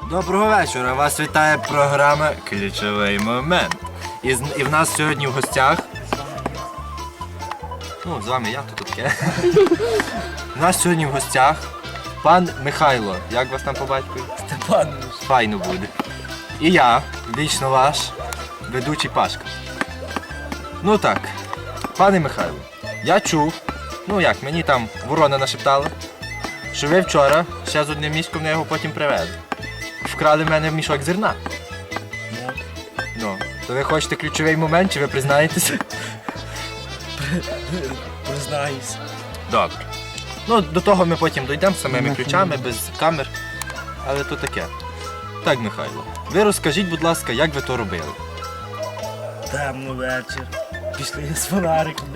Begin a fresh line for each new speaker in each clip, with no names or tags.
Доброго вечора, вас вітає програма «Ключовий момент». І в нас сьогодні в гостях... Ну, з вами я, тут таке. У нас сьогодні в гостях пан Михайло. Як вас там по батькові?
Степанович.
Файно буде. І я, вічно ваш, ведучий Пашка. Ну так, пане Михайло, я чув, ну як, мені там ворона нашептала, що ви вчора ще з одним мішком на його потім привезли. Вкрали в мене мішок зерна. Ну, то ви хочете ключовий момент, чи ви признаєтеся?
Признаюсь.
Добре. Ну, до того ми потім дійдемо з самими ключами, без камер. Але то таке. Так, Михайло, ви розкажіть, будь ласка, як ви то робили?
Темно вечір. Пішли з фонариками.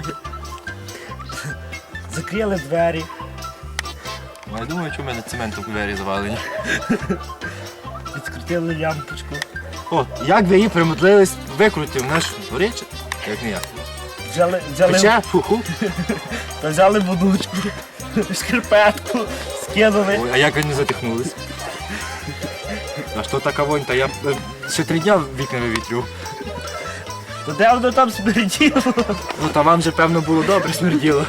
Закрили двері.
Ну, я думаю, що в мене цементом двері завалені.
Відкрутили лямпочку.
О, як ви її примудрились викрутити? Вона ж горяча? Як не я.
Взяли,
Фу-ху.
та взяли водучку, шкарпетку, скинули.
Ой, а як ви не затихнулись? А що така вонь? Та я ще 3 дня вікна вивітрю.
То де воно там смерділо?
Ну, та вам же, певно, було добре смерділо.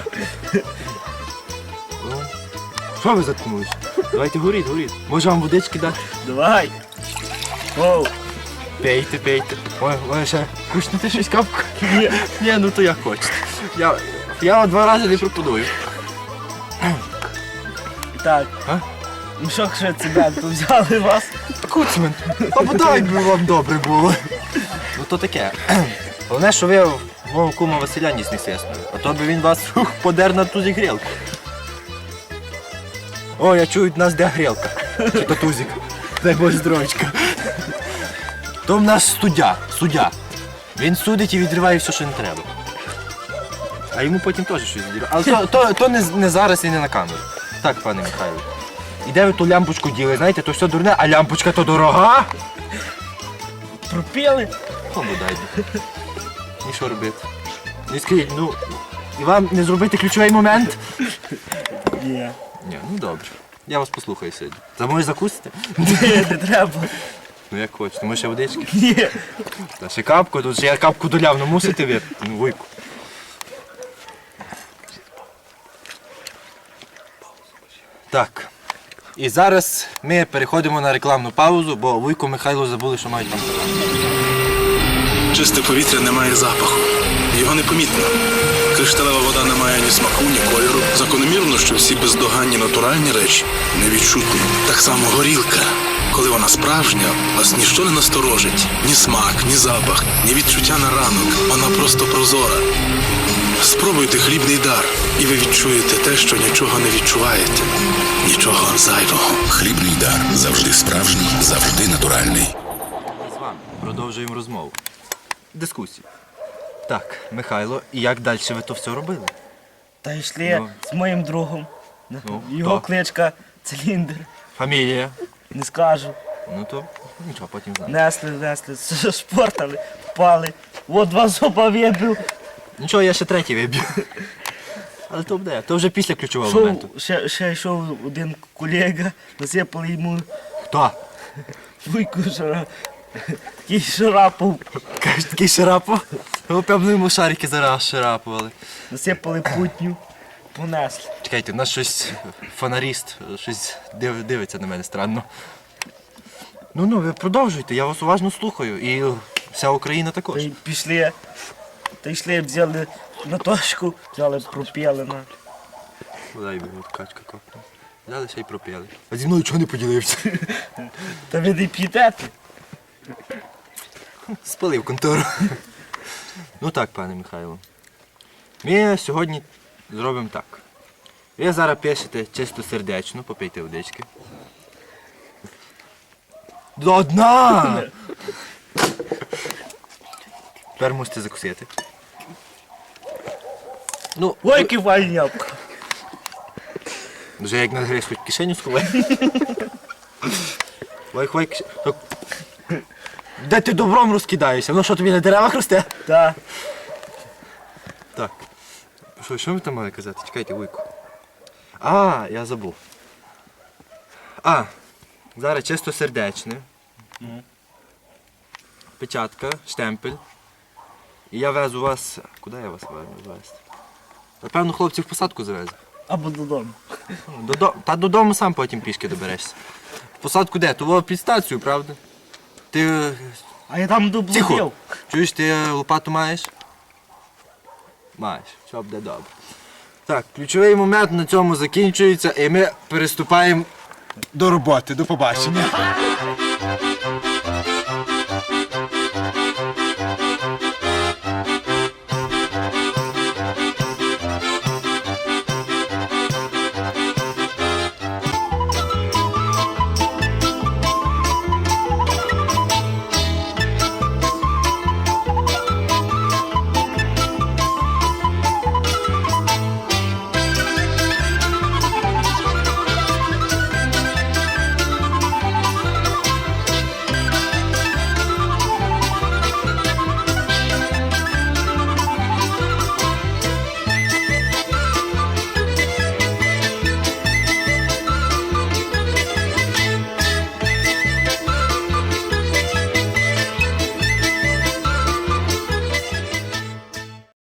О, що ви заткнулись? Давайте горіть, горіть. Може вам водички дати?
Давай. Оу.
Пейте, пейте. Ой, ще кушнете щось капку? Ні, ну то як хочете. Я 2 рази не пропоную.
Так.
А?
Мішок ще цементу взяли вас.
Куцмен, а бодай би вам добре було. Ну то таке. Головне, що ви мого кума Василя ніс не свиснули. А то би він вас подер на тузик грілку. О, я чую, в нас де грілка. Чи то тузик. Дай Боже здоровечка. То в нас суддя. Він судить і відриває все, що не треба. А йому потім теж щось відірває. Але то не зараз і не на камеру. Так, пане Михайло. І де ви ту лямпочку діли? Знаєте, то все дурне, а лямпочка то дорога.
Пропіли.
О, бодай. І що робити? Не скажіть, ну, і вам не зробити ключовий момент?
Ні.
Ні, ну добре. Я вас послухаю сьогодні. Та може закусите?
Ні, не треба.
Ну як хочете, може ще водички?
Ні.
Та ще капку, тут ще я капку доляв, ну мусите випити, ну вуйку. Так. І зараз ми переходимо на рекламну паузу, бо Вуйко Михайло забули, що мають там сказати.
Чисте повітря не має запаху. Його непомітно. Кришталева вода не має ні смаку, ні кольору. Закономірно, що всі бездоганні натуральні речі невідчутні. Так само горілка. Коли вона справжня, вас ніщо не насторожить. Ні смак, ні запах, ні відчуття на ранок. Вона просто прозора. Спробуйте хлібний дар, і ви відчуєте те, що нічого не відчуваєте. Нічого зайвого.
Хлібний дар. Завжди справжній, завжди натуральний.
З вами продовжуємо розмову. Дискусію. Так, Михайло, і як далі ви то все робили?
Та йшли
Ну.
з моїм другом. Його
хто?
кличка Циліндр.
Фамілія?
Не скажу.
Ну то нічого, потім знаємо.
Несли, шпортали, впали. От 2 зуба вибив.
Нічого, я ще 3 виб'ю. Але то буде, то вже після ключового моменту.
Ще йшов один колега, насипали йому
Хто?
вуйку такий шарапов.
Кажеш, такий шарапов? Ну, певно, йому шарики зараз шарапували.
Насипали путню, понесли.
Чекайте, у нас щось фонаріст, щось дивиться на мене странно. Ну, ви продовжуйте, я вас уважно слухаю. І вся Україна
Та
також.
й пішли, взяли на точку, взяли, пропіли на.
Дай би, от качка копна. Взяли ще й пропили. А зі мною чого не поділився?
Та ви не п'єте?
Спалив контору. Ну так, пане Михайло. Ми сьогодні зробимо так. Ви зараз пишете чистосердечно, попийте водички. До дна! Тепер мусите закусити. Ну,
Ой, кивальняк.
вже як нагриш, хоч кишеню сховай. Ой, кишеню. Де ти добром розкидаєшся? Воно що, тобі на деревах росте?
Так.
Так. Що ми там мали казати? Чекайте, Вуйку. А, я забув. Зараз чистосердечне. Печатка, штемпель. І я везу вас. Куди я вас маю везти? Напевно, хлопці в посадку завезу.
Або додому.
Та додому сам потім пішки доберешся. В посадку де? Того під стацію, правда? Ти.
А я там
Тихо!
доблудив.
Чуєш, ти лопату маєш? Маєш, все буде добре. Так, ключовий момент на цьому закінчується і ми переступаємо до роботи. До побачення.